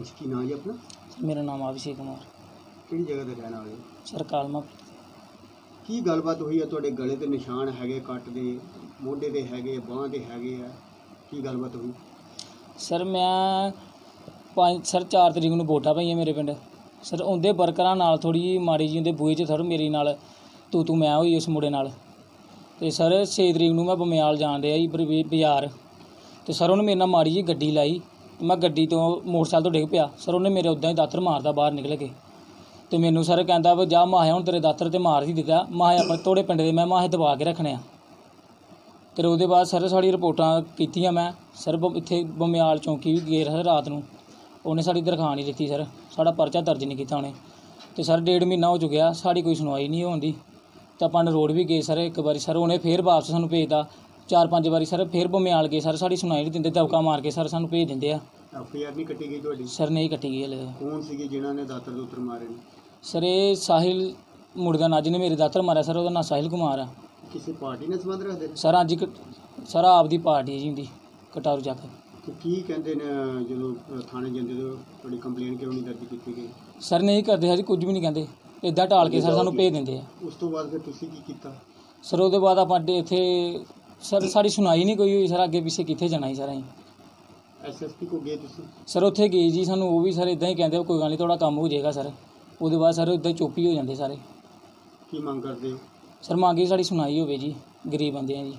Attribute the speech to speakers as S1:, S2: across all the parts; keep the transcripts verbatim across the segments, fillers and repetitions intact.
S1: अच्छा की नाम जी अपना?
S2: मेरा नाम अभिषेक कुमार।
S1: ਕਿਹੜੀ ਜਗ੍ਹਾ ਤੇ ਰਹਿਣ ਵਾਲੇ ਹੋ?
S2: सर कालमा
S1: ਕੀ ਗੱਲਬਾਤ ਹੋਈ ਹੈ? ਤੁਹਾਡੇ ਗਲੇ ਤੇ ਨਿਸ਼ਾਨ ਹੈਗੇ ਕੱਟ ਦੇ, ਮੋਢੇ ਤੇ ਹੈਗੇ, ਬਾਂਹ ਤੇ ਹੈਗੇ ਆ, ਕੀ ਗੱਲਬਾਤ ਹੋਈ?
S2: सर मैं ਪੰਜ ਸਰ ਚਾਰ ਤਰੀਕ ਨੂੰ ਵੋਟਾਂ ਪਈਆਂ ਮੇਰੇ ਪਿੰਡ। ਸਰ ਉਹਦੇ ਵਰਕਰਾਂ ਨਾਲ ਥੋੜ੍ਹੀ ਜਿਹੀ ਮਾੜੀ ਜਿਹੀ ਉਹਦੇ ਬੂਹੇ 'ਚ ਸਰ ਮੇਰੀ ਨਾਲ ਤੂੰ ਤੂੰ ਮੈਂ ਹੋਈ ਉਸ ਮੁੰਡੇ ਨਾਲ। ਅਤੇ ਸਰ ਛੇ ਤਰੀਕ ਨੂੰ ਮੈਂ ਬਮਿਆਲ ਜਾਣ ਡਿਆ ਜੀ ਬਰ- ਬਾਜ਼ਾਰ, ਅਤੇ ਸਰ ਉਹਨੇ ਮੇਰੇ ਨਾਲ ਮਾੜੀ ਜਿਹੀ ਗੱਡੀ ਲਾਈ, ਮੈਂ ਗੱਡੀ ਤੋਂ ਮੋਟਰਸਾਈਕਲ ਤੋਂ ਡਿੱਗ ਪਿਆ। ਸਰ ਉਹਨੇ ਮੇਰੇ ਉੱਦਾਂ ਹੀ ਦਾਤਰ ਮਾਰਦਾ ਬਾਹਰ ਨਿਕਲ ਕੇ, ਅਤੇ ਮੈਨੂੰ ਸਰ ਕਹਿੰਦਾ ਵੀ ਜਾ ਮਾਹਿਆ ਹੁਣ ਤੇਰੇ ਦਾਤਰ ਤੇ ਮਾਰ ਹੀ ਦਿੱਤਾ, ਮਾਹੇ ਆਪਣੇ ਤੋੜੇ ਪਿੰਡ ਦੇ ਮੈਂ ਮਾਹੇ ਦਬਾ ਕੇ ਰੱਖਣੇ ਆ। ਅਤੇ ਉਹਦੇ ਬਾਅਦ ਸਰ ਸਾਡੀ ਰਿਪੋਰਟਾਂ ਕੀਤੀਆਂ ਮੈਂ ਸਰ ਬ ਇੱਥੇ ਬਮਿਆਲ ਚੌਂਕੀ ਵੀ ਗਏ ਸਰ ਰਾਤ ਨੂੰ, ਉਹਨੇ ਸਾਡੀ ਦਰਖਾਸਤ ਨਹੀਂ ਦਿੱਤੀ ਸਰ, ਸਾਡਾ ਪਰਚਾ ਦਰਜ ਨਹੀਂ ਕੀਤਾ ਉਹਨੇ। ਅਤੇ ਸਰ ਡੇਢ ਮਹੀਨਾ ਹੋ ਚੁੱਕਿਆ, ਸਾਡੀ ਕੋਈ ਸੁਣਵਾਈ ਨਹੀਂ ਹੋਣ ਦੀ। ਤਾਂ ਆਪਾਂ ਰੋਡ ਵੀ ਗਏ ਸਰ ਇੱਕ ਵਾਰੀ, ਸਰ ਉਹਨੇ ਫੇਰ ਵਾਪਸ ਸਾਨੂੰ ਭੇਜਦਾ। ਚਾਰ ਪੰਜ ਵਾਰੀ ਸਰ ਫੇਰ ਬਮਿਆਲ ਗਏ ਸਰ, ਸਾਡੀ ਸੁਣਵਾਈ ਨਹੀਂ ਦਿੰਦੇ, ਦਬਕਾ ਮਾਰ ਕੇ ਸਰ ਸਾਨੂੰ ਭੇਜ ਦਿੰਦੇ ਆ।
S1: ਐਫ ਆਈ ਆਰ ਨਹੀਂ ਕੱਟੀ ਗਈ ਤੁਹਾਡੀ?
S2: ਸਰ ਨਹੀਂ ਕੱਟੀ ਗਈ ਹਲੇ।
S1: ਕੌਣ ਸੀਗੇ ਜਿਨ੍ਹਾਂ ਨੇ ਦਾਤਰ ਦੂਤਰ ਮਾਰੇ ਨੇ?
S2: ਸਰ ਇਹ ਸਾਹਿਲ ਮੁੰਡੇ ਦਾ ਨਾਂ ਜਿਹਨੇ ਮੇਰੇ ਦਾਤਰ ਮਾਰਿਆ ਸਰ, ਉਹਦਾ ਨਾਂ ਸਾਹਿਲ ਕੁਮਾਰ ਆ।
S1: ਕਿਸੇ ਪਾਰਟੀ ਨਾਲ ਸੰਬੰਧ ਰੱਖਦੇ ਨੇ?
S2: ਸਰ ਅੱਜ ਇੱਕ ਸਰ ਆਪਦੀ ਪਾਰਟੀ ਹੈ ਜੀ ਹੁੰਦੀ ਕਟਾਰੂ ਚੱਕ।
S1: ਤੇ ਕੀ ਕਹਿੰਦੇ ਨੇ ਜਦੋਂ ਅ, ਥਾਣੇ ਜਾਂਦੇ ਹੋ ਤੁਹਾਡੀ ਕੰਪਲੇਨ ਕਿਉਂ ਨਹੀਂ ਦਰਜ ਕੀਤੀ ਗਈ?
S2: ਸਰ ਨਹੀਂ ਕਰਦੇ ਸਰ, ਕੁਝ ਵੀ ਨਹੀਂ ਕਹਿੰਦੇ, ਇੱਦਾਂ ਢਾਲ ਕੇ ਸਰ ਸਾਨੂੰ ਭੇਜ ਦਿੰਦੇ ਆ।
S1: ਉਸ ਤੋਂ ਬਾਅਦ ਫਿਰ ਤੁਸੀਂ ਕੀ ਕੀਤਾ?
S2: ਸਰ ਉਹਦੇ ਬਾਅਦ ਆਪਾਂ ਅੱਡੇ ਇੱਥੇ ਸਰ ਸਾਡੀ ਸੁਣਾਈ ਨਹੀਂ ਕੋਈ ਹੋਈ ਸਰ, ਅੱਗੇ ਪਿੱਛੇ ਕਿੱਥੇ ਜਾਣਾ ਸੀ ਸਰ ਅਸੀਂ।
S1: ਐਸ ਐਸ ਪੀ ਕੋ ਗਏ ਤੁਸੀਂ?
S2: ਸਰ ਉੱਥੇ ਗਏ ਜੀ, ਸਾਨੂੰ ਉਹ ਵੀ ਸਰ ਇੱਦਾਂ ਹੀ ਕਹਿੰਦੇ ਕੋਈ ਗੱਲ ਨਹੀਂ ਤੁਹਾਡਾ ਕੰਮ ਹੋ ਜਾਏਗਾ ਸਰ। ਉਹਦੇ ਬਾਅਦ ਸਰ ਇੱਦਾਂ ਚੁੱਪ ਹੀ ਹੋ ਜਾਂਦੇ ਸਾਰੇ।
S1: ਕੀ ਮੰਗ ਕਰਦੇ ਹੋ?
S2: ਸਰ ਮੰਗੀ ਸਾਡੀ ਸੁਣਾਈ ਹੋਵੇ ਜੀ, ਗਰੀਬ ਬੰਦੇ ਆ ਜੀ।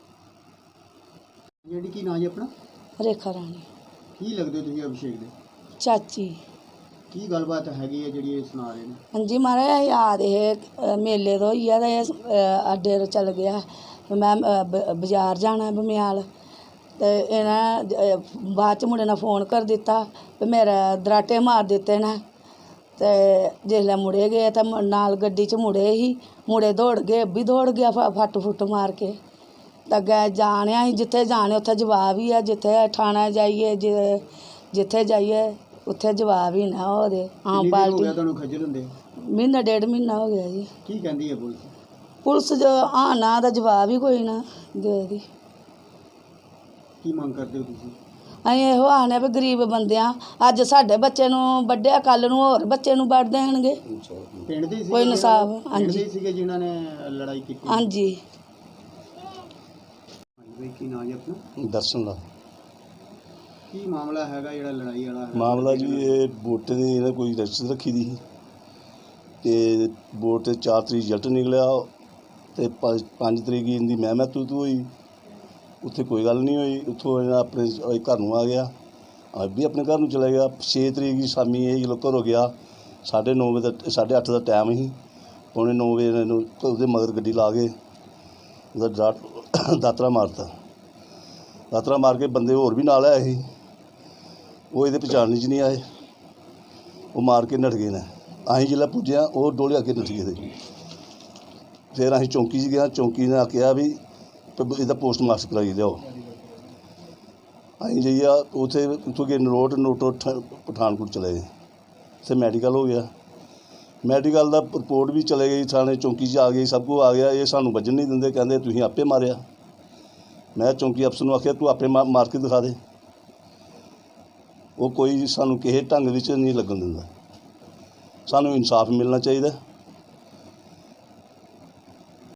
S1: ਜਿਹੜੀ ਕੀ ਨਾਂ ਜੀ ਆਪਣਾ?
S3: ਰੇਖਾ ਰਾਣੀ
S1: ਕੀ ਲੱਗਦੇ ਹੋ ਤੁਸੀਂ ਅਭਿਸ਼ੇਕ ਦੇ?
S3: ਚਾਚੀ।
S1: ਕੀ ਗੱਲਬਾਤ ਹੈਗੀ ਹੈ ਜਿਹੜੀ ਇਹ ਸੁਣਾ ਰਹੇ ਨੇ?
S3: ਹਾਂਜੀ ਮਹਾਰਾਜ ਯਾਦ ਇਹ ਮੇਲੇ ਤੋਂ ਹੀ ਆ ਤੇ ਇਹ ਅੱਡੇ ਤੋਂ ਚੱਲ ਗਿਆ। ਮੈਂ ਅ, ਬ- ਬਾਜ਼ਾਰ ਜਾਣਾ ਬਮਿਆਲ, ਅਤੇ ਇਹਨਾਂ ਅ, ਬਾਅਦ 'ਚ ਮੁੰਡੇ ਨੇ ਫੋਨ ਕਰ ਦਿੱਤਾ ਵੀ ਮੇਰਾ ਦਰਾਟੇ ਮਾਰ ਦਿੱਤੇ ਨੇ। ਅਤੇ ਜਿਸਲੇ ਮੁੜੇ ਗਏ ਤਾਂ ਮ- ਨਾਲ ਗੱਡੀ 'ਚ ਮੁੜੇ ਹੀ ਮੁੜੇ ਦੌੜ ਗਏ, ਵੀ ਦੌੜ ਗਿਆ ਫ- ਫੱਟ ਫੁੱਟ ਮਾਰ ਕੇ। ਤਾਂ ਅੱਗੇ ਜਾਣਿਆ ਅਸੀਂ ਜਿੱਥੇ ਜਾਣੇ ਉੱਥੇ ਜਵਾਬ ਹੀ ਆ, ਜਿੱਥੇ ਥਾਣਾ ਜਾਈਏ ਜਿ- ਜਿੱਥੇ ਜਾਈਏ ਉੱਥੇ ਜਵਾਬ ਹੀ ਨਾ ਉਹਦੇ। ਆਮ
S1: ਕਿੰਨੀ ਦੇਰ ਹੋ ਗਿਆ
S3: ਪਾਰਟੀ
S1: ਤੁਹਾਨੂੰ ਖੱਜਲ ਹੁੰਦੇ?
S3: ਮਹੀਨਾ ਡੇਢ ਮਹੀਨਾ ਹੋ ਗਿਆ ਜੀ।
S1: ਕੀ ਕਹਿੰਦੀ ਹੈ ਪੁਲਿਸ?
S3: ਪੁਲਿਸ ਜੋ ਹਾਂ ਨਾ ਦਾ ਜਵਾਬ ਹੀ ਕੋਈ ਨਾ ਦੇ ਦੀ।
S1: ਕੀ ਮੰਗ ਕਰਦੇ ਹੋ ਤੁਸੀਂ?
S3: ਅਸੀਂ ਇਹੋ ਆਖਦੇ ਵੀ ਗਰੀਬ ਬੰਦਿਆਂ, ਅੱਜ ਸਾਡੇ ਬੱਚੇ ਨੂੰ ਵੱਢਿਆ, ਕੱਲ੍ਹ ਨੂੰ ਹੋਰ ਬੱਚੇ ਨੂੰ ਵੱਢ ਦੇਣਗੇ।
S1: ਪਿੰਡ ਦੇ ਹੀ ਸੀਗੇ
S3: ਕੋਈ ਇਨਸਾਫ਼,
S1: ਪਿੰਡ
S3: ਹਾਂਜੀ।
S1: ਦੇ ਹੀ ਸੀਗੇ ਜਿਨ੍ਹਾਂ ਨੇ ਲੜਾਈ ਕੀਤੀ?
S3: ਹਾਂਜੀ।
S1: ਬਈ ਕੀ ਨਾਂ ਜੀ ਆਪਣਾ?
S4: ਦਰਸ਼ਨ ਦਾ
S1: ਕੀ ਮਾਮਲਾ ਹੈਗਾ ਜਿਹੜਾ ਲੜਾਈ ਵਾਲਾ ਹੈਗਾ?
S4: ਮਾਮਲਾ ਜੀ ਇਹ ਵੋਟ ਦੀ ਇਹਨਾਂ ਕੋਈ ਰਜਿਸਟਰ ਰੱਖੀ ਦੀ ਸੀ ਅਤੇ ਵੋਟ 'ਤੇ ਚਾਰ ਤਰੀਕ ਰਿਜ਼ਲਟ ਨਿਕਲਿਆ ਅਤੇ ਪੰਜ ਪੰਜ ਤਰੀਕ ਇਹਦੀ ਮੈਂ ਮੈਂ ਤੂੰ ਤੂੰ ਹੋਈ। ਉੱਥੇ ਕੋਈ ਗੱਲ ਨਹੀਂ ਹੋਈ, ਉੱਥੋਂ ਇਹਨਾਂ ਆਪਣੇ ਇਹ ਘਰ ਨੂੰ ਆ ਗਿਆ, ਅੱਜ ਵੀ ਆਪਣੇ ਘਰ ਨੂੰ ਚਲਾ ਗਿਆ। ਛੇ ਤਰੀਕ ਦੀ ਸ਼ਾਮੀ ਇਹ ਜਦੋਂ ਘਰੋਂ ਗਿਆ, ਸਾਢੇ ਨੌ ਵਜੇ ਦਾ ਸਾਢੇ ਅੱਠ ਦਾ ਟਾਈਮ ਸੀ, ਪੌਣੇ ਨੌ ਵਜੇ ਇਹਨੂੰ ਉਹਦੇ ਮਗਰ ਗੱਡੀ ਲਾ ਕੇ ਉਹਦਾ ਡਰਾ ਦਾਤਰਾ ਮਾਰਤਾ। ਦਾਤਰਾ ਮਾਰ ਕੇ ਬੰਦੇ ਹੋਰ ਵੀ ਨਾਲ ਆਏ ਸੀ, ਉਹ ਇਹਦੇ ਪਛਾਣ 'ਚ ਨਹੀਂ ਆਏ, ਉਹ ਮਾਰ ਕੇ ਨੱਠ ਗਏ ਨੇ। ਅਸੀਂ ਜਿਹੜਾ ਪੁੱਜਿਆ ਉਹ ਡੋਲੇ ਅੱਗੇ ਨੱਠ ਗਏ ਤੇ ਫਿਰ ਅਸੀਂ ਚੌਂਕੀ 'ਚ ਗਿਆ, ਚੌਂਕੀ ਨੇ ਕਿਹਾ ਵੀ ਪ- ਇਹਦਾ ਪੋਸਟਮਾਰਟਮ ਕਰਾਈ ਲਿਆਓ। ਅਸੀਂ ਜਾਈਆ ਉੱਥੇ ਉੱਥੋਂ ਗਏ ਨਰੋਟ ਨੋਟੋ ਠ- ਪਠਾਨਕੋਟ ਚਲੇ ਗਏ, ਉੱਥੇ ਮੈਡੀਕਲ ਹੋ ਗਿਆ। ਮੈਡੀਕਲ ਦਾ ਰਿਪੋਰਟ ਵੀ ਚਲੇ ਗਈ, ਥਾਣੇ ਚੌਂਕੀ 'ਚ ਆ ਗਈ, ਸਭ ਕੁਝ ਆ ਗਿਆ। ਇਹ ਸਾਨੂੰ ਵੱਜਣ ਨਹੀਂ ਦਿੰਦੇ, ਕਹਿੰਦੇ ਤੁਸੀਂ ਆਪੇ ਮਾਰਿਆ। ਮੈਂ ਚੌਂਕੀ ਅਫਸਰ ਨੂੰ ਆਖਿਆ ਤੂੰ ਆਪੇ ਮਾ ਮਾਰ ਕੇ ਦਿਖਾ ਦੇ। ਉਹ ਕੋਈ ਸਾਨੂੰ ਕਿਸੇ ਢੰਗ ਵਿੱਚ ਨਹੀਂ ਲੱਗਣ ਦਿੰਦਾ। ਸਾਨੂੰ ਇਨਸਾਫ ਮਿਲਣਾ ਚਾਹੀਦਾ।